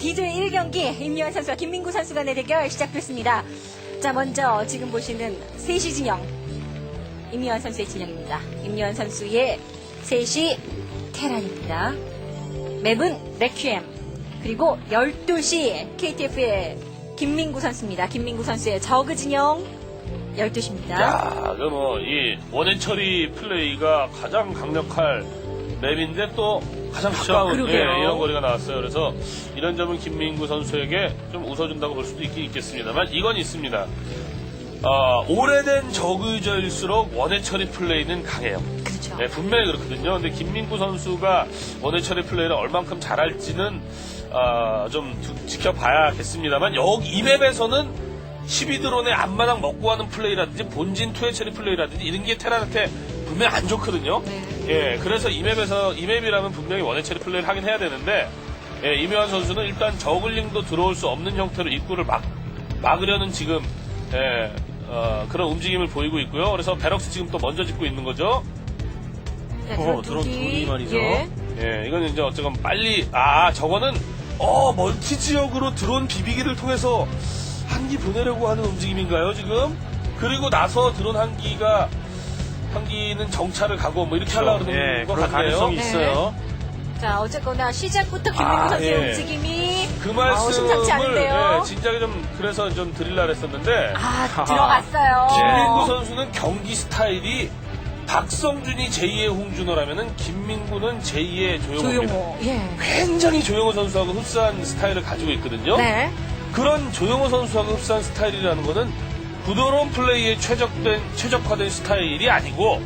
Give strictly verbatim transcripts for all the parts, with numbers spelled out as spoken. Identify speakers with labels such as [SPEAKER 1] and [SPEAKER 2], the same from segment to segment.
[SPEAKER 1] 디조의 일 경기 임요한 선수와 김민구 선수 간의 대결 시작됐습니다. 자, 먼저 지금 보시는 셋시 진영 임요한 선수의 진영입니다. 임요한 선수의 셋시 테란입니다. 맵은 레퀴엠, 그리고 열두 시 케이티에프의 김민구 선수입니다. 김민구 선수의 저그 진영 열두 시입니다.
[SPEAKER 2] 야, 그 뭐, 이 원앤 처리 플레이가 가장 강력할 맵인데 또 가장 가까운 예, 이런 거리가 나왔어요. 그래서 이런 점은 김민구 선수에게 좀 웃어준다고 볼 수도 있긴 있겠습니다만 이건 있습니다. 어, 오래된 저그저일수록 원앤 처리 플레이는 강해요.
[SPEAKER 1] 그렇죠.
[SPEAKER 2] 네, 분명히 그렇거든요. 근데 김민구 선수가 원앤 처리 플레이를 얼만큼 잘할지는 어, 좀 두, 지켜봐야겠습니다만 여기 이 맵에서는 십이 드론의 앞마당 먹고 하는 플레이라든지 본진 투의 처리 플레이라든지 이런 게 테란한테 분명히 안 좋거든요.
[SPEAKER 1] 네.
[SPEAKER 2] 예, 그래서 이 맵에서 이 맵이라면 분명히 원앤 처리 플레이를 하긴 해야 되는데 예, 임요한 선수는 일단 저글링도 들어올 수 없는 형태로 입구를 막 막으려는 지금 예, 어, 그런 움직임을 보이고 있고요. 그래서 베럭스 지금 또 먼저 짓고 있는 거죠.
[SPEAKER 1] 네,
[SPEAKER 3] 어, 드론 둘이 말이죠.
[SPEAKER 1] 예.
[SPEAKER 2] 예, 이건 이제 어쨌건 빨리 아 저거는 어 멀티 지역으로 드론 비비기를 통해서 한기 보내려고 하는 움직임인가요 지금? 그리고 나서 드론 한기가 한기는 정찰을 가고 뭐 이렇게 하려고 그러는
[SPEAKER 3] 예,
[SPEAKER 2] 것
[SPEAKER 3] 그런
[SPEAKER 2] 같네요.
[SPEAKER 3] 가능성이
[SPEAKER 1] 네.
[SPEAKER 3] 있어요.
[SPEAKER 1] 자, 어쨌거나 시작부터 김민구
[SPEAKER 2] 아,
[SPEAKER 1] 선수의
[SPEAKER 2] 예.
[SPEAKER 1] 움직임이
[SPEAKER 2] 그
[SPEAKER 1] 어, 심상치
[SPEAKER 2] 말씀을
[SPEAKER 1] 않은데요.
[SPEAKER 2] 예, 진작에 좀 그래서 좀 드릴라 했었는데
[SPEAKER 1] 아, 들어갔어요.
[SPEAKER 2] 김민구 선수는 경기 스타일이 박성준이 제이의 홍준호라면은 김민구는 제이의 조용호입니다.
[SPEAKER 1] 조용호. 예.
[SPEAKER 2] 굉장히 조용호 선수하고 흡사한 스타일을 가지고 있거든요.
[SPEAKER 1] 네.
[SPEAKER 2] 그런 조용호 선수하고 흡사한 스타일이라는 거는 부드러운 플레이에 최적된, 최적화된 스타일이 아니고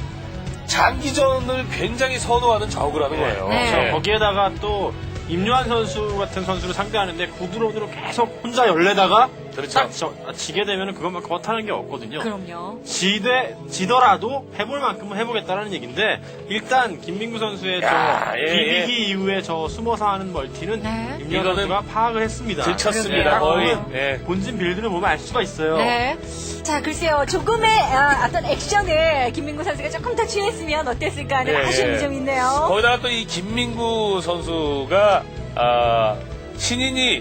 [SPEAKER 2] 장기전을 굉장히 선호하는 저그라는 거예요.
[SPEAKER 1] 네.
[SPEAKER 3] 그렇죠. 거기에다가 또 임요한 선수 같은 선수를 상대하는데 구드론으로 계속 혼자 열내다가
[SPEAKER 2] 그렇죠.
[SPEAKER 3] 딱 저, 지게 되면 그것만큼 못하는 게 없거든요.
[SPEAKER 1] 그럼요.
[SPEAKER 3] 지되, 지더라도 해볼 만큼은 해보겠다는 얘기인데 일단 김민구 선수의
[SPEAKER 2] 야,
[SPEAKER 3] 저
[SPEAKER 2] 예,
[SPEAKER 3] 비비기
[SPEAKER 2] 예.
[SPEAKER 3] 이후에 저 숨어서 하는 멀티는
[SPEAKER 1] 네.
[SPEAKER 3] 임요한
[SPEAKER 2] 이거는
[SPEAKER 3] 선수가 파악을 했습니다.
[SPEAKER 2] 들쳤습니다.
[SPEAKER 3] 예,
[SPEAKER 2] 거의.
[SPEAKER 3] 보면
[SPEAKER 2] 예.
[SPEAKER 3] 본진 빌드를 보면 알 수가 있어요.
[SPEAKER 1] 네. 자, 글쎄요. 조금의 아, 어떤 액션을 김민구 선수가 조금 더 취했으면 어땠을까 하는
[SPEAKER 2] 예,
[SPEAKER 1] 아쉬움이
[SPEAKER 2] 예.
[SPEAKER 1] 좀 있네요.
[SPEAKER 2] 거기다가 또 이 김민구 선수가 아, 신인이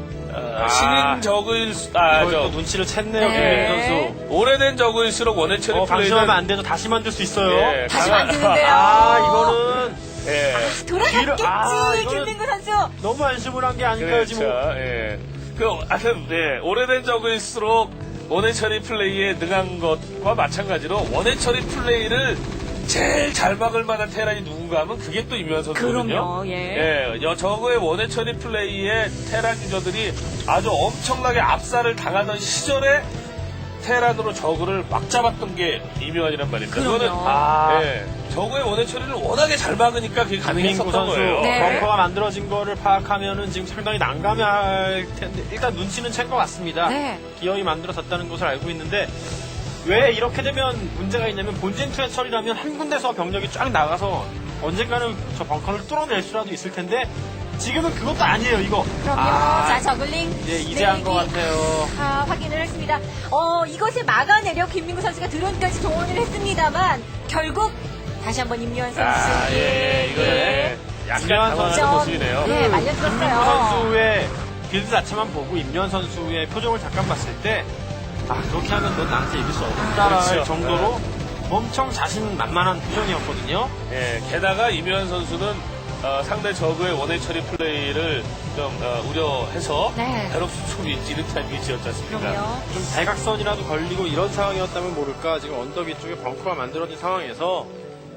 [SPEAKER 2] 아,
[SPEAKER 3] 아,
[SPEAKER 2] 신인 적을 아,
[SPEAKER 3] 이걸
[SPEAKER 2] 저,
[SPEAKER 3] 또 눈치를 챘네요,
[SPEAKER 1] 네.
[SPEAKER 3] 김민구 선수.
[SPEAKER 2] 오래된 적일수록 원앤 처리
[SPEAKER 3] 어,
[SPEAKER 2] 플레이는
[SPEAKER 3] 방심하면 안 되죠. 다시 만들 수 있어요.
[SPEAKER 2] 예,
[SPEAKER 1] 다시
[SPEAKER 2] 강한-
[SPEAKER 1] 만드는데요.
[SPEAKER 3] 아, 이거는
[SPEAKER 2] 예.
[SPEAKER 1] 돌아갔겠지,
[SPEAKER 3] 뒤를- 아, 이거는-
[SPEAKER 1] 김민구 선수.
[SPEAKER 3] 너무 안심을 한 게 아닐까요,
[SPEAKER 2] 그렇죠.
[SPEAKER 3] 지금.
[SPEAKER 2] 예. 그, 하여튼, 네. 오래된 적일수록 원앤 처리 플레이에 능한 것과 마찬가지로 원앤 처리 플레이를 제일 잘 막을 만한 테란이 누군가 하면 그게 또 임요한 선수거든요.
[SPEAKER 1] 그럼요, 예.
[SPEAKER 2] 예. 여, 저거의 원앤 처리 플레이에 테란 유저들이 아주 엄청나게 압살을 당하던 시절에 테란으로 저그를 막 잡았던 게 임요한이란 말입니다.
[SPEAKER 1] 그럼요.
[SPEAKER 2] 그거는,
[SPEAKER 3] 아.
[SPEAKER 2] 예. 저거의 원앤 처리를 워낙에 잘 막으니까 그게
[SPEAKER 3] 민구
[SPEAKER 2] 가능했었던
[SPEAKER 3] 선수
[SPEAKER 2] 거예요.
[SPEAKER 1] 네.
[SPEAKER 3] 벙커가 만들어진 거를 파악하면은 지금 상당히 난감할 텐데 일단 눈치는 챈 것 같습니다.
[SPEAKER 1] 네.
[SPEAKER 3] 기어이 만들어졌다는 것을 알고 있는데 왜 이렇게 되면 문제가 있냐면 본진 투의 처리라면 한 군데서 병력이 쫙 나가서 언젠가는 저 벙커를 뚫어낼 수라도 있을 텐데 지금은 그것도 아니에요 이거.
[SPEAKER 1] 그럼요.
[SPEAKER 3] 아,
[SPEAKER 1] 자, 저글링.
[SPEAKER 3] 예, 이제 한 것
[SPEAKER 1] 내리기.
[SPEAKER 3] 같아요.
[SPEAKER 1] 아, 확인을 했습니다. 어, 이것을 막아내려 김민구 선수가 드론까지 동원을 했습니다만 결국 다시 한번 임요한 선수.
[SPEAKER 2] 아, 예, 예, 이거는
[SPEAKER 1] 예.
[SPEAKER 2] 약간
[SPEAKER 3] 임요한
[SPEAKER 2] 당황하는
[SPEAKER 1] 선수.
[SPEAKER 2] 모습이네요.
[SPEAKER 1] 네,
[SPEAKER 3] 김민구
[SPEAKER 1] 말려들었어요.
[SPEAKER 3] 선수의 빌드 자체만 보고 임요한 선수의 표정을 잠깐 봤을 때 아, 그렇게 하면 넌 나한테 이길 수 없다라는
[SPEAKER 2] 그렇죠.
[SPEAKER 3] 정도로 엄청 자신만만한 표정이었거든요.
[SPEAKER 2] 예, 게다가 임요한 선수는 어, 상대 저그의 원앤 처리 플레이를 좀 어, 우려해서
[SPEAKER 1] 네.
[SPEAKER 2] 베럭스 촉이 찌릿한 위치였지 않습니까?
[SPEAKER 1] 그럼요.
[SPEAKER 3] 좀 대각선이라도 걸리고 이런 상황이었다면 모를까 지금 언덕 위쪽에 벙커가 만들어진 상황에서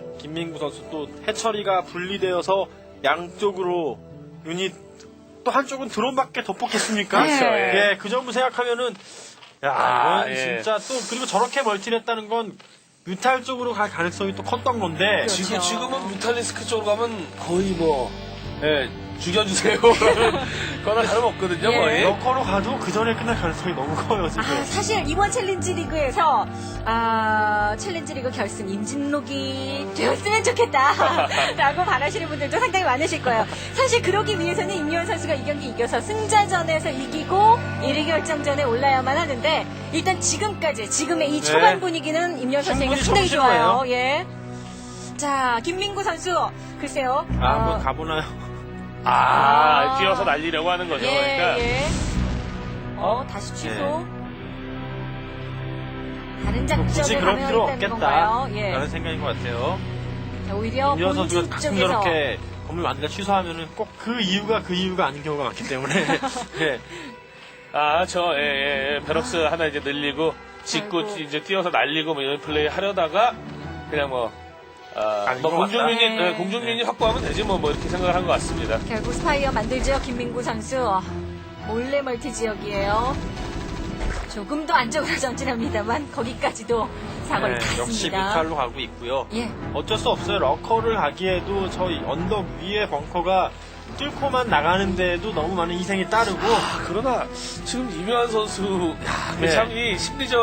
[SPEAKER 3] 김민구 선수 또 해처리가 분리되어서 양쪽으로 유닛 또 한쪽은 드론밖에 더 뽑겠습니까?
[SPEAKER 1] 그렇죠,
[SPEAKER 2] 예.
[SPEAKER 3] 예, 그 점을 생각하면은 야
[SPEAKER 2] 아,
[SPEAKER 3] 이건
[SPEAKER 2] 예.
[SPEAKER 3] 진짜 또 그리고 저렇게 멀티를 했다는 건 뮤탈 쪽으로 갈 가능성이 또 컸던 건데
[SPEAKER 1] 그렇죠.
[SPEAKER 2] 지금, 지금은 뮤탈리스크 쪽으로 가면 거의 뭐, 예, 죽여주세요. 그거나 다름없거든요,
[SPEAKER 1] 예.
[SPEAKER 2] 거의.
[SPEAKER 3] 러커로 가도 그 전에 끝날 가능성이 너무 커요 지금.
[SPEAKER 1] 아, 사실 이번 챌린지 리그에서 아, 챌린지 리그 결승 임진록이 되었으면 좋겠다 라고 바라시는 분들도 상당히 많으실 거예요. 사실 그러기 위해서는 임요한 선수가 이 경기 이겨서 승자전에서 이기고 일 위 결정전에 올라야만 하는데 일단 지금까지 지금의 이 초반
[SPEAKER 3] 네.
[SPEAKER 1] 분위기는 임요한 선수에게
[SPEAKER 3] 충분히
[SPEAKER 1] 상당히 좋아요.
[SPEAKER 3] 정신이에요.
[SPEAKER 1] 예. 자, 김민구 선수 글쎄요.
[SPEAKER 3] 아,
[SPEAKER 1] 어,
[SPEAKER 3] 한번 가보나요?
[SPEAKER 2] 아,
[SPEAKER 1] 아.
[SPEAKER 2] 뛰어서 날리려고 하는 거죠.
[SPEAKER 1] 예,
[SPEAKER 2] 그러니까
[SPEAKER 1] 예. 어, 다시 취소. 다른
[SPEAKER 3] 뭐 굳이
[SPEAKER 1] 작전을
[SPEAKER 3] 그럴 필요
[SPEAKER 1] 가능하겠다는 건가요?
[SPEAKER 3] 없겠다
[SPEAKER 1] 예.
[SPEAKER 3] 라는 생각인 것 같아요.
[SPEAKER 1] 자, 오히려
[SPEAKER 3] 임현 선수가
[SPEAKER 1] 본진
[SPEAKER 3] 가끔
[SPEAKER 1] 쪽에서
[SPEAKER 3] 저렇게 건물 만들다 취소하면은 꼭 그 이유가 그 이유가 아닌 경우가 많기 때문에 예.
[SPEAKER 2] 아, 저, 예, 예, 예. 베럭스 하나 이제 늘리고, 짓고,
[SPEAKER 1] 아이고.
[SPEAKER 2] 이제 뛰어서 날리고, 뭐 이런 플레이 하려다가, 그냥 뭐, 아,
[SPEAKER 3] 아닌
[SPEAKER 2] 뭐
[SPEAKER 3] 것 같다.
[SPEAKER 2] 공중유닛,
[SPEAKER 1] 네.
[SPEAKER 2] 예, 공중유닛 확보하면 되지, 뭐, 뭐, 이렇게 생각을 한 것 같습니다.
[SPEAKER 1] 결국 스파이어 만들죠. 김민구 선수. 몰래 멀티 지역이에요. 조금 더 안쪽으로 전진합니다만 거기까지도 사거리
[SPEAKER 3] 네, 역시
[SPEAKER 1] 닿습니다.
[SPEAKER 3] 뮤탈로 가고 있고요.
[SPEAKER 1] 예.
[SPEAKER 3] 어쩔 수 없어요. 러커를 가기에도 저희 언덕 위에 벙커가 뚫고만 나가는데도 너무 많은 희생이 따르고
[SPEAKER 2] 아, 그러나, 지금 이묘한 선수, 야, 그
[SPEAKER 3] 네.
[SPEAKER 2] 참, 이 심리전,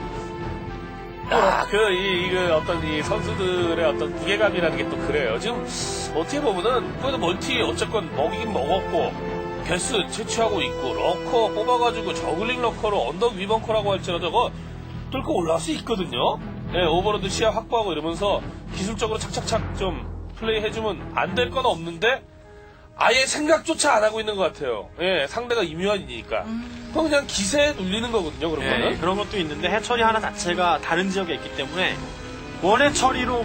[SPEAKER 2] 야, 그, 이, 이, 그 어떤 이 선수들의 어떤 무게감이라는 게 또 그래요. 지금, 어떻게 보면은, 그래도 멀티 어쨌건 먹이긴 먹었고, 개수 채취하고 있고, 러커 뽑아가지고 저글링 러커로 언덕 위벙커라고 할지라도 저거 뚫고 올라올 수 있거든요. 예, 오버로드 시야 확보하고 이러면서 기술적으로 착착착 좀 플레이 해주면 안 될 건 없는데, 아예 생각조차 안 하고 있는 것 같아요. 예, 상대가 임요한이니까. 그럼 그냥 기세에 눌리는 거거든요, 그런
[SPEAKER 3] 예,
[SPEAKER 2] 거는.
[SPEAKER 3] 그런 것도 있는데 해처리 하나 자체가 다른 지역에 있기 때문에 원해 처리로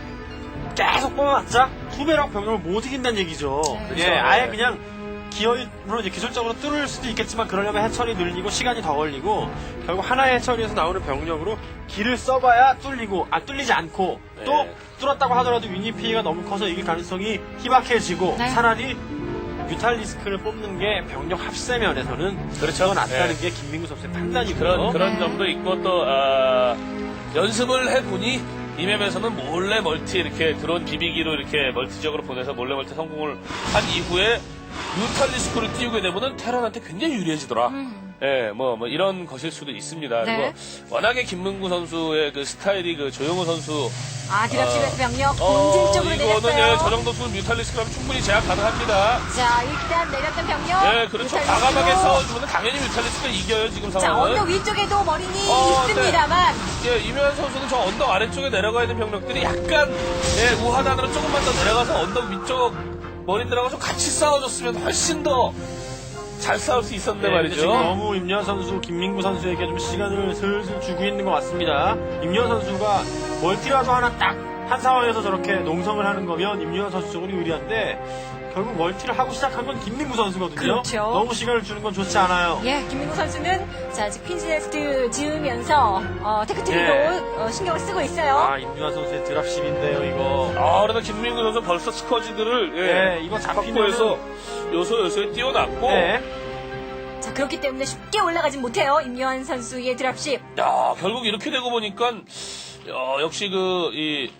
[SPEAKER 3] 계속 뽑아봤자 투배랑 병력을 못 이긴다는 얘기죠.
[SPEAKER 1] 네.
[SPEAKER 3] 예,
[SPEAKER 2] 그렇죠.
[SPEAKER 3] 아예
[SPEAKER 2] 네.
[SPEAKER 3] 그냥 기어이 물론 이제 기술적으로 뚫을 수도 있겠지만 그러려면 해처리 늘리고 시간이 더 걸리고 결국 하나의 해처리에서 나오는 병력으로 길을 써봐야 뚫리고 아 뚫리지 않고
[SPEAKER 2] 네.
[SPEAKER 3] 또 뚫었다고 하더라도 유닛 피해가 너무 커서 이길 가능성이 희박해지고
[SPEAKER 1] 네.
[SPEAKER 3] 차라리 뮤탈리스크를 뽑는 게 병력 합세 면에서는
[SPEAKER 2] 그렇죠.
[SPEAKER 3] 더 낫다는
[SPEAKER 2] 네.
[SPEAKER 3] 게 김민구 선수의 판단이고요.
[SPEAKER 2] 그런, 그런
[SPEAKER 1] 네.
[SPEAKER 2] 점도 있고, 또, 아, 연습을 해보니, 이 맵에서는 몰래 멀티 이렇게 드론 비비기로 이렇게 멀티적으로 보내서 몰래 멀티 성공을 한 이후에 뮤탈리스크를 띄우게 되면은 테란한테 굉장히 유리해지더라.
[SPEAKER 1] 음.
[SPEAKER 2] 예, 뭐, 뭐, 이런 것일 수도 있습니다.
[SPEAKER 1] 네.
[SPEAKER 2] 그리고 워낙에 김문구 선수의 그 스타일이 그 조용호 선수.
[SPEAKER 1] 아, 드랍십에서 병력
[SPEAKER 2] 어,
[SPEAKER 1] 본진 쪽으로
[SPEAKER 2] 이거는
[SPEAKER 1] 내렸어요.
[SPEAKER 2] 예, 저 정도 수는 뮤탈리스크라면 충분히 제압 가능합니다.
[SPEAKER 1] 자, 일단 내렸던 병력.
[SPEAKER 2] 예, 그렇죠.
[SPEAKER 1] 뮤탈리스크로.
[SPEAKER 2] 과감하게 싸워주면 당연히 뮤탈리스크가 이겨요, 지금
[SPEAKER 1] 자,
[SPEAKER 2] 상황은.
[SPEAKER 1] 언덕 위쪽에도 머리니
[SPEAKER 2] 어,
[SPEAKER 1] 있습니다만.
[SPEAKER 2] 예, 이묘한 선수는 저 언덕 아래쪽에 내려가 있는 병력들이 약간, 예, 우하단으로 조금만 더 내려가서 언덕 위쪽 머리들하고 좀 같이 싸워줬으면 훨씬 더 잘 싸울 수 있었는데
[SPEAKER 3] 네, 근데
[SPEAKER 2] 말이죠.
[SPEAKER 3] 지금 너무 임현 선수, 김민구 선수에게 좀 시간을 슬슬 주고 있는 것 같습니다. 임현 선수가 멀티라도 하나 딱 한 상황에서 저렇게 농성을 하는 거면 임현 선수 쪽으로 유리한데 결국 멀티를 하고 시작한 건 김민구 선수거든요.
[SPEAKER 1] 그렇죠.
[SPEAKER 3] 너무 시간을 주는 건 좋지 않아요.
[SPEAKER 1] 예, 김민구 선수는 자, 지금 핀즈네스트 지으면서 어, 테크트리로
[SPEAKER 3] 예.
[SPEAKER 1] 어, 신경을 쓰고 있어요.
[SPEAKER 3] 아, 임현 선수의 드랍십인데요, 이거.
[SPEAKER 2] 아, 그러다 김민구 선수 벌써 스커지들을, 예,
[SPEAKER 3] 네, 이거
[SPEAKER 2] 확보해서 요소 요소에 띄워놨고,
[SPEAKER 3] 네.
[SPEAKER 1] 자, 그렇기 때문에 쉽게 올라가진 못해요. 임요한 선수의 드랍십.
[SPEAKER 2] 야, 결국 이렇게 되고 보니까, 어, 역시 그, 이,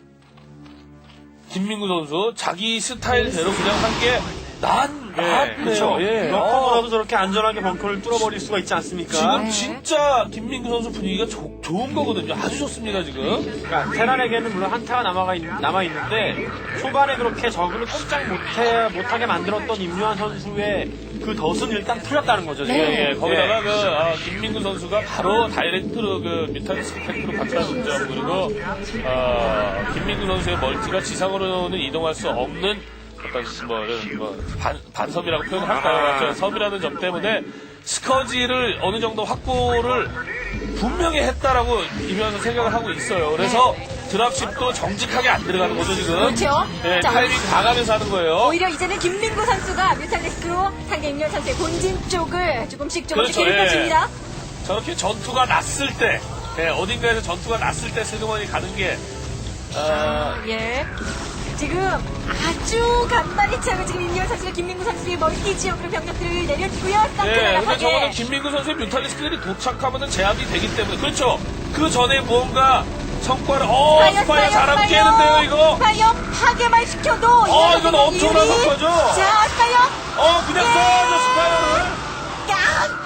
[SPEAKER 2] 김민구 선수, 자기 스타일대로 그냥 한 게, 난,
[SPEAKER 3] 네,
[SPEAKER 2] 낫네요.
[SPEAKER 3] 그렇죠.
[SPEAKER 2] 예.
[SPEAKER 3] 럭커보다도 저렇게 안전하게 벙커를 뚫어버릴 수가 있지 않습니까?
[SPEAKER 2] 지금
[SPEAKER 1] 네.
[SPEAKER 2] 진짜 김민구 선수 분위기가 조- 좋은 거거든요. 아주 좋습니다, 지금.
[SPEAKER 3] 그러니까 테란에게는 물론 한타가 남아가 있, 남아 있는데 초반에 그렇게 적을 꼼짝 못해 못하게 만들었던 임요한 선수의 그 덫은 일단 풀렸다는 거죠. 지금.
[SPEAKER 1] 네.
[SPEAKER 2] 예, 거기다가 그 아, 김민구 선수가 바로 다이렉트로 그 뮤탈리스크 팩트로 바꿔준 점 그리고 아, 김민구 선수의 멀티가 지상으로는 이동할 수 없는 어떤 뭐, 이런 뭐 반, 반섬이라고 표현할까요? 아. 섬이라는 점 때문에 스커지를 어느 정도 확보를 분명히 했다라고 이면서 생각을 하고 있어요. 그래서 드랍십도 정직하게 안 들어가는 거죠 지금.
[SPEAKER 1] 그렇죠.
[SPEAKER 2] 예,
[SPEAKER 1] 자,
[SPEAKER 2] 타이밍 가가면서 하는 거예요.
[SPEAKER 1] 오히려 이제는 김민구 선수가 뮤탈리스크로 상대 임요한 선수의 본진 쪽을 조금씩 조금씩
[SPEAKER 2] 그렇죠,
[SPEAKER 1] 괴롭혀줍니다.
[SPEAKER 2] 저렇게 전투가 났을 때, 예, 어딘가에서 전투가 났을 때 슬그머니 가는 게, 어,
[SPEAKER 1] 예. 지금 아주 간만에 차고 지금 임요한 선수가 김민구 선수의 멀티 지역으로 병력들을 내려주고요.
[SPEAKER 2] 예, 근데 저거는
[SPEAKER 1] 쌍끌하게.
[SPEAKER 2] 김민구 선수의 뮤탈리스크들이 도착하면은 제압이 되기 때문에, 그렇죠. 그 전에 무언가 성과를, 어,
[SPEAKER 1] 스파이어,
[SPEAKER 2] 스파이어 사람
[SPEAKER 1] 스파이어.
[SPEAKER 2] 깨는데요, 이거.
[SPEAKER 1] 스파이어 파괴만 시켜도
[SPEAKER 2] 어, 이건 엄청난 성과죠.
[SPEAKER 1] 자, 스파이어
[SPEAKER 2] 어, 그냥 쏴야죠, 스파이어를.
[SPEAKER 1] 야,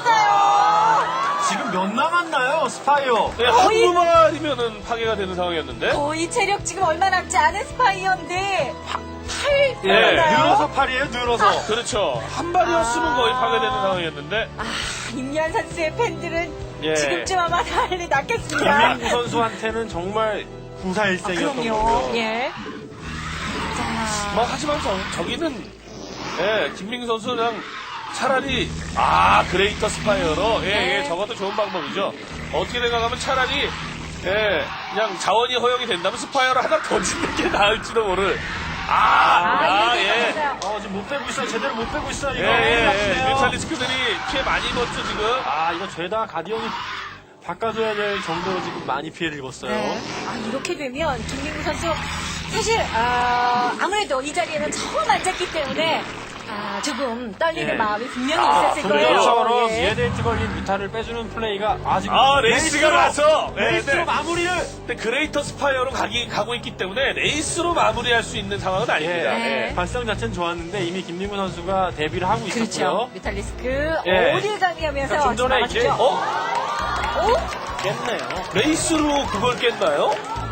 [SPEAKER 1] 깨졌어요.
[SPEAKER 3] 지금 몇 남았나요, 스파이어?
[SPEAKER 2] 예,
[SPEAKER 1] 거의-
[SPEAKER 2] 한 마리면은 파괴가 되는 상황이었는데.
[SPEAKER 1] 거의 체력 지금 얼마 남지 않은 스파이어인데 팔
[SPEAKER 2] 예.
[SPEAKER 1] 남았나요?
[SPEAKER 3] 늘어서 팔이에요, 늘어서.
[SPEAKER 2] 그렇죠. 한 발이었으면
[SPEAKER 1] 아.
[SPEAKER 2] 거의 파괴되는 상황이었는데.
[SPEAKER 1] 아, 임요한 선수의 팬들은
[SPEAKER 3] 예.
[SPEAKER 1] 지금쯤 아마 난리 났겠습니다.
[SPEAKER 3] 김민구 선수한테는 정말 구사일생이었던
[SPEAKER 1] 그럼요.
[SPEAKER 3] 거고요.
[SPEAKER 1] 예. 자,
[SPEAKER 2] 뭐, 하지만 저, 저기는 예, 김민구 선수 그냥 차라리 아 그레이터 스파이어로 예,
[SPEAKER 1] 네.
[SPEAKER 2] 예, 저것도 좋은 방법이죠. 어떻게 생각하면 차라리 예, 그냥 자원이 허용이 된다면 스파이어를 하나 더 짓는 게 나을지도 모를. 아,
[SPEAKER 1] 아,
[SPEAKER 2] 아,
[SPEAKER 1] 이게
[SPEAKER 2] 예.
[SPEAKER 1] 맞았어요.
[SPEAKER 3] 어, 지금 못 빼고 있어요. 제대로 못 빼고 있어요.
[SPEAKER 2] 예,
[SPEAKER 3] 이거.
[SPEAKER 2] 예, 예.
[SPEAKER 3] 요
[SPEAKER 2] 뮤탈리스크들이 피해 많이 입었죠, 지금.
[SPEAKER 3] 아, 이거 죄다 가디언이 바꿔줘야 될 정도로 지금 많이 피해를 입었어요.
[SPEAKER 1] 네. 아, 이렇게 되면 김민구 선수 사실 아, 아무래도 이 자리에는 처음 앉았기 때문에 아, 조금 떨리는
[SPEAKER 3] 예.
[SPEAKER 1] 마음이 분명히
[SPEAKER 2] 아,
[SPEAKER 1] 있었을 거예요.
[SPEAKER 3] 분명처럼
[SPEAKER 1] 예.
[SPEAKER 3] 예데이트 걸린 뮤타를 빼주는 플레이가 아직
[SPEAKER 2] 아, 레이스가 나서. 네,
[SPEAKER 3] 레이스로
[SPEAKER 2] 네.
[SPEAKER 3] 마무리를
[SPEAKER 2] 근데 그레이터 스파이어로 가기, 가고 있기 때문에 레이스로 마무리할 수 있는 상황은 아닙니다.
[SPEAKER 1] 네.
[SPEAKER 2] 예.
[SPEAKER 3] 발성 자체는 좋았는데 이미 김민구 선수가 데뷔를 하고
[SPEAKER 1] 그렇죠.
[SPEAKER 3] 있었고요.
[SPEAKER 1] 뮤탈리스크
[SPEAKER 3] 예.
[SPEAKER 1] 어딜 가니 하면서
[SPEAKER 3] 그러니까 좀 전에 이제
[SPEAKER 1] 막아주죠.
[SPEAKER 2] 어?
[SPEAKER 1] 어?
[SPEAKER 3] 깼네요.
[SPEAKER 2] 레이스로 그걸 깼나요?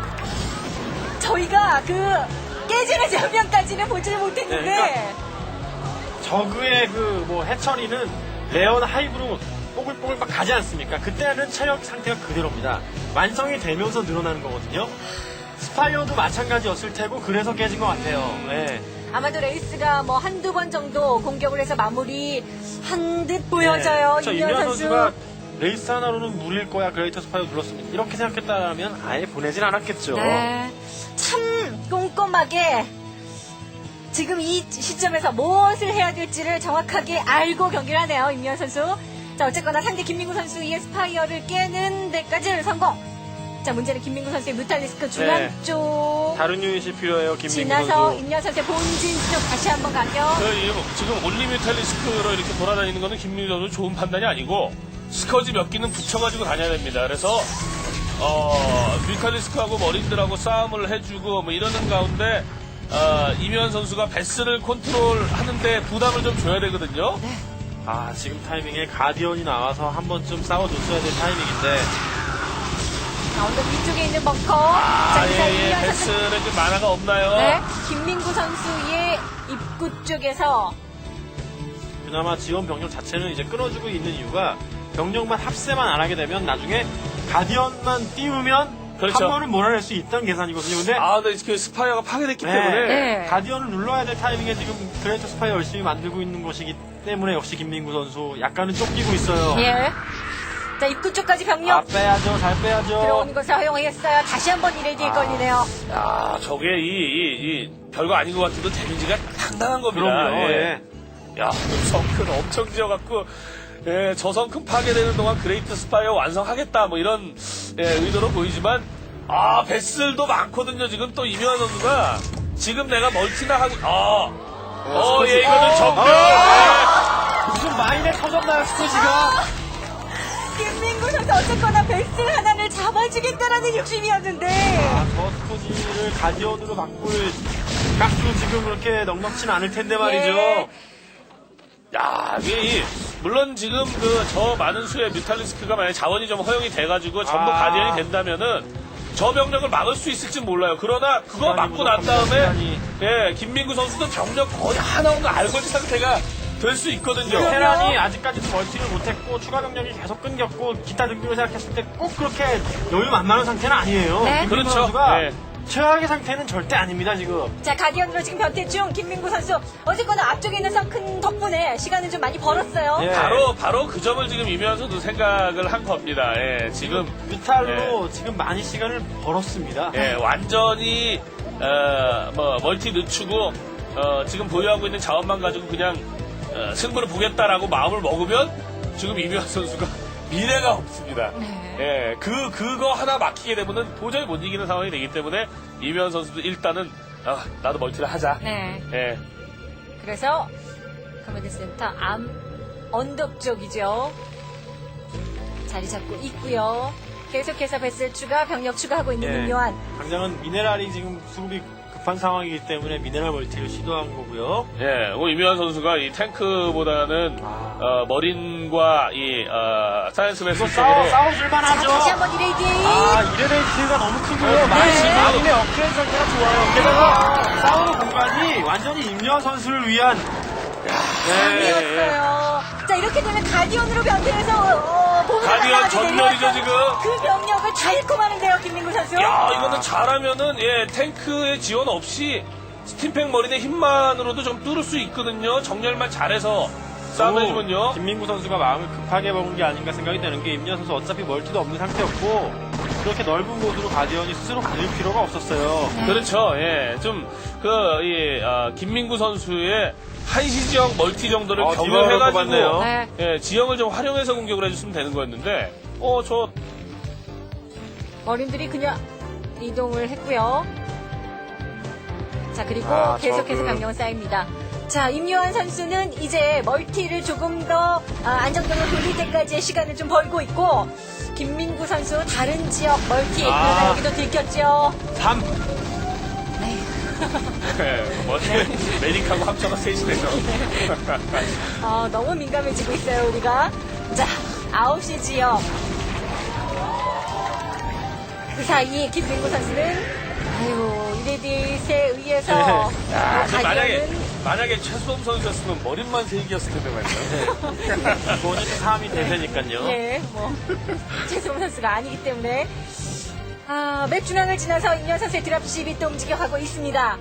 [SPEAKER 1] 저희가 그 깨지는 장면까지는 보지를 못했는데
[SPEAKER 3] 네, 저그의 그 뭐 해처리는 레온 하이브로 뽀글뽀글 막 가지 않습니까? 그때는 체력 상태가 그대로입니다. 완성이 되면서 늘어나는 거거든요. 스파이어도 마찬가지였을 테고 그래서 깨진 것 같아요. 네.
[SPEAKER 1] 아마도 레이스가 뭐 한두 번 정도 공격을 해서 마무리 한 듯 보여져요.
[SPEAKER 3] 네.
[SPEAKER 1] 임현
[SPEAKER 3] 임현
[SPEAKER 1] 선수.
[SPEAKER 3] 선수가 레이스 하나로는 무리일 거야. 그레이터 스파이어 눌렀습니다. 이렇게 생각했다면 아예 보내진 않았겠죠.
[SPEAKER 1] 네. 참 꼼꼼하게 지금 이 시점에서 무엇을 해야 될지를 정확하게 알고 경기를 하네요. 임현 선수. 자, 어쨌거나 상대 김민구 선수의 스파이어를 깨는 데까지 성공. 자, 문제는 김민구 선수의 뮤탈리스크 중앙
[SPEAKER 3] 네.
[SPEAKER 1] 쪽
[SPEAKER 3] 다른 유닛이 필요해요. 김민구
[SPEAKER 1] 지나서
[SPEAKER 3] 선수.
[SPEAKER 1] 임현 선수의 본진 쪽 다시 한번 가격.
[SPEAKER 2] 그, 이- 지금 올리뮤탈리스크로 이렇게 돌아다니는 거는 김민우 선수 좋은 판단이 아니고 스커지 몇 기는 붙여가지고 다녀야 됩니다. 그래서 어, 뮤탈리스크하고 머린들하고 싸움을 해주고 뭐 이러는 가운데 어, 이면 선수가 베스를 컨트롤하는데 부담을 좀 줘야 되거든요.
[SPEAKER 3] 아, 지금 타이밍에 가디언이 나와서 한 번쯤 싸워줬어야 될 타이밍인데.
[SPEAKER 1] 자, 언덕 위쪽에 있는 벙커.
[SPEAKER 2] 아,
[SPEAKER 1] 자,
[SPEAKER 2] 예, 예,
[SPEAKER 1] 임현 선수.
[SPEAKER 2] 베스는 좀 만화가 없나요?
[SPEAKER 1] 네, 김민구 선수의 입구 쪽에서
[SPEAKER 3] 그나마 지원 병력 자체는 이제 끊어주고 있는 이유가 병력만 합세만 안 하게 되면 나중에 가디언만 띄우면
[SPEAKER 2] 그렇죠.
[SPEAKER 3] 한 번은 몰아낼 수 있다는 계산이거든요. 근데
[SPEAKER 2] 아, 근데 그 스파이어가 파괴됐기
[SPEAKER 3] 네.
[SPEAKER 2] 때문에
[SPEAKER 1] 네.
[SPEAKER 3] 가디언을 눌러야 될 타이밍에 지금 그레이터 스파이어 열심히 만들고 있는 것이기 때문에 역시 김민구 선수 약간은 쫓기고 있어요.
[SPEAKER 1] 예. 자, 입구 쪽까지 병력
[SPEAKER 3] 아, 빼야죠. 잘 빼야죠.
[SPEAKER 1] 들어오는 것을 허용했어요. 다시 한번 이레디에
[SPEAKER 3] 아.
[SPEAKER 1] 걸리네요.
[SPEAKER 2] 야, 저게 이, 이, 이 별거 아닌 것 같아도 데미지가 상당한 겁니다.
[SPEAKER 3] 그럼요.
[SPEAKER 2] 예.
[SPEAKER 3] 예.
[SPEAKER 2] 야, 성큰 엄청 지어갖고, 예, 저 성큰 파괴되는 동안 그레이트 스파이어 완성하겠다, 뭐 이런, 예, 의도로 보이지만, 아, 베슬도 많거든요. 지금 또 이명환 선수가, 지금 내가 멀티나 하고, 아, 어, 예, 이거는 정면,
[SPEAKER 3] 아! 무슨 마인에 터졌나요, 스토지가?
[SPEAKER 1] 김민구 선수 어쨌거나 베스트 하나를 잡아주겠다라는 욕심이었는데.
[SPEAKER 3] 아, 저 스토지를 가디언으로 바꿀 깍도 지금 그렇게 넉넉진 않을 텐데 말이죠.
[SPEAKER 1] 예.
[SPEAKER 2] 야, 이게, 이- 물론 지금 그, 저 많은 수의 뮤탈리스크가 만약 자원이 좀 허용이 돼가지고 전부
[SPEAKER 3] 아.
[SPEAKER 2] 가디언이 된다면은, 저 병력을 막을 수 있을지 몰라요. 그러나 그거
[SPEAKER 3] 시간이
[SPEAKER 2] 막고 난
[SPEAKER 3] 부족합니다,
[SPEAKER 2] 다음에
[SPEAKER 3] 시간이.
[SPEAKER 2] 예 김민구 선수도 병력 거의 하나 없는 알거지 상태가 될 수 있거든요.
[SPEAKER 1] 네.
[SPEAKER 3] 테란이 아직까지도 멀티를 못했고 추가 병력이 계속 끊겼고 기타 등등을 생각했을 때 꼭 그렇게 여유 만만한 상태는 아니에요.
[SPEAKER 1] 네.
[SPEAKER 3] 김민구
[SPEAKER 2] 그렇죠.
[SPEAKER 3] 선수가
[SPEAKER 2] 네.
[SPEAKER 3] 최악의 상태는 절대 아닙니다 지금.
[SPEAKER 1] 자, 가디언으로 지금 변태 중 김민구 선수. 어쨌거나 앞쪽에 있는 성큰 덕분에 시간을 좀 많이 벌었어요.
[SPEAKER 3] 예.
[SPEAKER 2] 바로 바로 그 점을 지금 이면서도 생각을 한 겁니다. 예, 지금
[SPEAKER 3] 비탈로 지금 많이 시간을 벌었습니다.
[SPEAKER 2] 예, 완전히 어, 뭐 멀티 늦추고 어, 지금 보유하고 있는 자원만 가지고 그냥 어, 승부를 보겠다라고 마음을 먹으면 지금 이면 선수가 미래가 없습니다.
[SPEAKER 1] 네.
[SPEAKER 2] 예, 그 그거 하나 막히게 되면은 도저히 못 이기는 상황이 되기 때문에 이면 선수도 일단은 아, 나도 멀티를 하자.
[SPEAKER 1] 네.
[SPEAKER 2] 예.
[SPEAKER 1] 그래서 커맨드 센터 암 언덕 쪽이죠. 자리 잡고 있고요. 계속해서 베슬 추가, 병력 추가하고 있는
[SPEAKER 3] 예.
[SPEAKER 1] 임요한.
[SPEAKER 3] 당장은 미네랄이 지금 수급이 급한 상황이기 때문에 미네랄 멀티를 시도한 거고요.
[SPEAKER 2] 예, 뭐 이면 선수가 이 탱크보다는
[SPEAKER 3] 아.
[SPEAKER 2] 어, 머린과 이 어, 사이언스 베스
[SPEAKER 3] 이거 싸워,
[SPEAKER 2] 쪽으로
[SPEAKER 3] 싸워줄만
[SPEAKER 1] 자,
[SPEAKER 3] 하죠.
[SPEAKER 1] 다시 한번 이레디.
[SPEAKER 3] 아, 이레베이트가 너무 크고요.
[SPEAKER 2] 네.
[SPEAKER 3] 마지막에 업그레이드 상태가 좋아요. 게다가 싸우는 공간이 완전히 임요한 선수를 위한
[SPEAKER 1] 이었어요. 자, 이렇게 되면 가디언으로 변태해서 어, 몸을
[SPEAKER 2] 가디언
[SPEAKER 1] 날아가게
[SPEAKER 2] 전멸이죠,
[SPEAKER 1] 되면
[SPEAKER 2] 지금.
[SPEAKER 1] 그 병력을 다 잃고 마는데요, 김민구 선수.
[SPEAKER 2] 야, 이거는 잘하면은, 예, 탱크의 지원 없이 스팀팩 머리의 힘만으로도 좀 뚫을 수 있거든요. 정렬만 잘해서 싸움을 해주면요.
[SPEAKER 3] 김민구 선수가 마음을 급하게 먹은 게 아닌가 생각이 되는 게 임현 선수 어차피 멀티도 없는 상태였고 그렇게 넓은 곳으로 가디언이 스스로 가질 필요가 없었어요.
[SPEAKER 2] 그렇죠. 예, 좀 그 이 아, 김민구 선수의 한시 지역 멀티 정도를
[SPEAKER 3] 어,
[SPEAKER 2] 경험해가지고
[SPEAKER 3] 디바로
[SPEAKER 1] 네.
[SPEAKER 2] 예, 지형을 좀 활용해서 공격을 해줬으면 되는 거였는데, 어, 저
[SPEAKER 1] 어린들이 그냥 이동을 했고요. 자, 그리고
[SPEAKER 3] 아,
[SPEAKER 1] 계속해서
[SPEAKER 3] 저그-
[SPEAKER 1] 강력은 쌓입니다. 자, 임요한 선수는 이제 멀티를 조금 더 아, 안정적으로 돌릴 때까지의 시간을 좀 벌고 있고, 김민구 선수 다른 지역 멀티,
[SPEAKER 3] 아.
[SPEAKER 1] 그러나 여기도 들켰죠.
[SPEAKER 3] 삼.
[SPEAKER 1] 네.
[SPEAKER 2] 예, 뭐 메딕하고 합쳐서 셋이네요.
[SPEAKER 1] 어, 너무 민감해지고 있어요, 우리가. 자, 아홉 시 지역. 그 사이 김민구 선수는, 아유, 이레디스에 의해서,
[SPEAKER 3] 네.
[SPEAKER 1] 뭐
[SPEAKER 2] 야, 근데 만약에
[SPEAKER 1] 가디언은
[SPEAKER 2] 만약에 최수범 선수였으면 머릿만 세 개였을 텐데 말이죠.
[SPEAKER 3] 이거는 삼이 대세니까요.
[SPEAKER 1] 예, 뭐, 최승훈 선수가 아니기 때문에. 아, 맵 중앙을 지나서 임현 선수의 드랍십이 또 움직여가고 있습니다.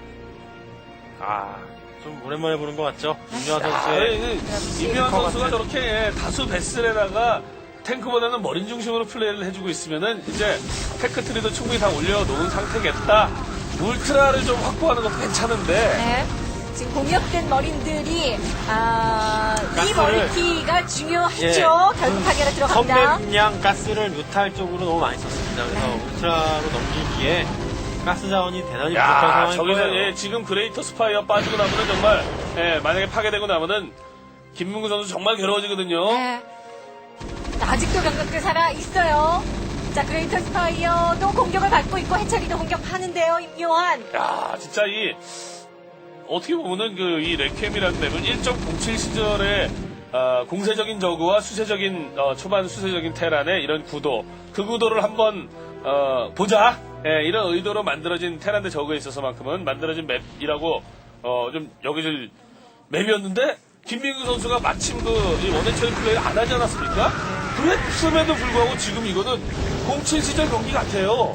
[SPEAKER 3] 아, 좀 오랜만에 보는 것 같죠? 임현
[SPEAKER 2] 아,
[SPEAKER 3] 선수의
[SPEAKER 2] 그 이명환 선수가 저렇게 다수 베슬에다가 탱크보다는 머린 중심으로 플레이를 해주고 있으면은 이제 테크트리도 충분히 다 올려놓은 상태겠다. 울트라를 좀 확보하는 것도 괜찮은데.
[SPEAKER 1] 네. 지금 공격된 머린들이, 아, 이
[SPEAKER 3] 가스를-
[SPEAKER 1] 멀티가 중요하죠.
[SPEAKER 3] 예.
[SPEAKER 1] 결국 파괴로 들어갑니다.
[SPEAKER 3] 선맵량 가스를 뮤탈 쪽으로 너무 많이 썼습니다. 그래서 울트라로 넘기기에 가스 자원이 대단히 부족한
[SPEAKER 2] 야,
[SPEAKER 3] 상황인
[SPEAKER 2] 저기서
[SPEAKER 3] 거예요.
[SPEAKER 2] 예, 지금 그레이터 스파이어 빠지고 나면은 정말 예, 만약에 파괴되고 나면은 김문구 선수 정말 괴로워지거든요.
[SPEAKER 1] 네. 아직도 병력들 살아 있어요. 자, 그레이터 스파이어도 공격을 받고 있고 해처리도 공격하는데요, 임요한.
[SPEAKER 2] 야, 진짜 이 어떻게 보면은 그 이 레캠이라는 맵은 일 점 공칠 시절에 어, 공세적인 저그와 수세적인 어, 초반 수세적인 테란의 이런 구도, 그 구도를 한번 어, 보자. 예, 이런 의도로 만들어진 테란 대 저그에 있어서만큼은 만들어진 맵이라고 어, 좀 여기질 맵이었는데 김민구 선수가 마침 그이 원해처리 플레이를 안 하지 않았습니까? 그랬음에도 불구하고 지금 이거는 공칠 시절 경기 같아요.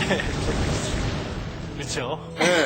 [SPEAKER 3] 그렇죠.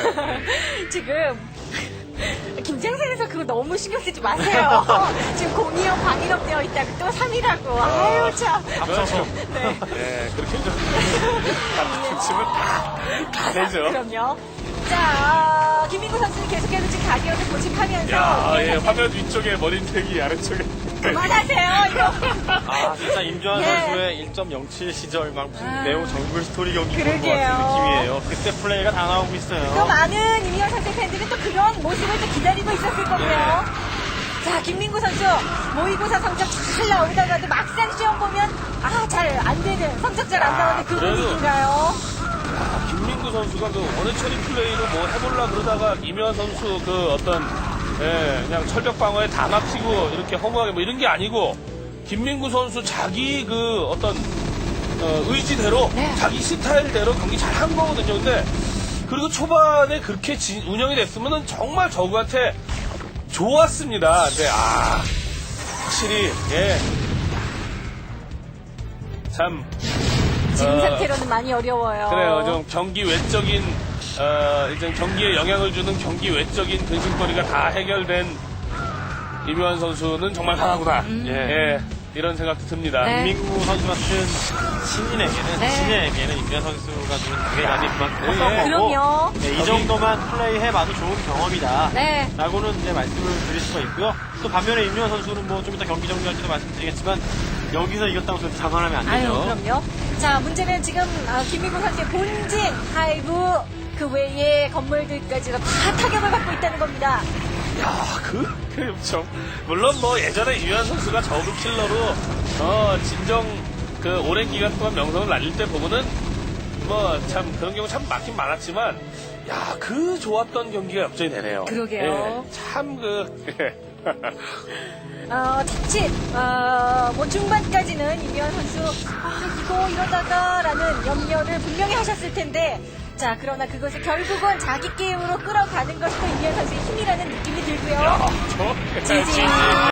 [SPEAKER 1] 지금 김장선에서 그거 너무 신경 쓰지 마세요. 지금 공이형 방위력 되어 있다고 또 삼이라고. 아유 참.
[SPEAKER 3] 앞서서
[SPEAKER 1] 네.
[SPEAKER 2] 네, 그렇게 좀 치면 다, 다 되죠.
[SPEAKER 1] 그럼요. 자, 김민구 선수는 계속해서 지금 가디언을 고집하면서
[SPEAKER 2] 야, 예,
[SPEAKER 1] 현재
[SPEAKER 2] 화면 위쪽에 머리택이 아래쪽에.
[SPEAKER 1] 그만하세요. 이거.
[SPEAKER 3] 아, 진짜 임주환
[SPEAKER 1] 예.
[SPEAKER 3] 선수의 일 점 영칠 시절 막 무슨
[SPEAKER 1] 아.
[SPEAKER 3] 네오 정글 스토리 경기 보는 것
[SPEAKER 1] 그러게요.
[SPEAKER 3] 같은 느낌이에요. 그때 플레이가 다 나오고
[SPEAKER 1] 또
[SPEAKER 3] 있어요.
[SPEAKER 1] 많은 이미현 선수 팬들은 또 그런 모습을 또 기다리고 있었을 거고요. 자, 김민구 선수 모의고사 성적 잘 나오다가도 막상 시험 보면 아, 잘 안 되는, 성적 잘 안 나오는 그
[SPEAKER 2] 그래도-
[SPEAKER 1] 분위기인가요?
[SPEAKER 2] 아, 김민구 선수가 그 원해처리 플레이로 뭐 해볼라 그러다가 이면 선수 그 어떤, 예, 그냥 철벽 방어에 다 막히고 이렇게 허무하게 뭐 이런 게 아니고, 김민구 선수 자기 그 어떤, 어, 의지대로,
[SPEAKER 1] 네.
[SPEAKER 2] 자기 스타일대로 경기 잘 한 거거든요. 근데, 그리고 초반에 그렇게 진- 운영이 됐으면은 정말 저그한테 좋았습니다. 근데, 아, 확실히, 예. 참,
[SPEAKER 1] 지금
[SPEAKER 2] 어,
[SPEAKER 1] 상태로는 많이 어려워요.
[SPEAKER 2] 그래요. 좀 경기 외적인, 어, 이제 경기에 영향을 주는 경기 외적인 근심거리가 다 해결된 이묘한 선수는 정말 강하구나. 예. 이런 생각도 듭니다.
[SPEAKER 1] 네.
[SPEAKER 3] 김민구 선수 같은 신인에게는,
[SPEAKER 1] 네.
[SPEAKER 3] 신인에게는 임주환 선수가 주는 자괴감이 그만큼
[SPEAKER 2] 예.
[SPEAKER 3] 컸던 거고,
[SPEAKER 1] 그럼요.
[SPEAKER 3] 네, 이 정도만 플레이해봐도 좋은 경험이다.
[SPEAKER 1] 네.
[SPEAKER 3] 라고는 이제 말씀을 드릴 수가 있고요. 또 반면에 임주환 선수는 뭐 좀 이따 경기 정리할 때도 말씀드리겠지만, 여기서 이겼다고 해서 자만하면 안
[SPEAKER 1] 아유,
[SPEAKER 3] 되죠.
[SPEAKER 1] 그럼요. 자, 문제는 지금 아, 김민구 선수의 본진, 하이브, 그 외의 건물들까지도 다 타격을 받고 있다는 겁니다.
[SPEAKER 2] 야, 그, 그, 좀. 물론 뭐 예전에 이묘한 선수가 저그 킬러로, 어, 진정, 그, 오랜 기간 동안 명성을 날릴 때 보면은, 뭐, 참, 그런 경우 참 많긴 많았지만, 야, 그 좋았던 경기가 역전이 되네요.
[SPEAKER 1] 그러게요.
[SPEAKER 2] 예, 참, 그,
[SPEAKER 1] 어, 자칫, 어, 뭐 중반까지는 이미현 선수, 아, 이거 이러다가라는 염려를 분명히 하셨을 텐데, 자, 그러나 그것을 결국은 자기 게임으로 끌어가는 것이 또 이미현 선수의 힘이라는 느낌이 들고요.
[SPEAKER 2] 야, 저,
[SPEAKER 1] 지지.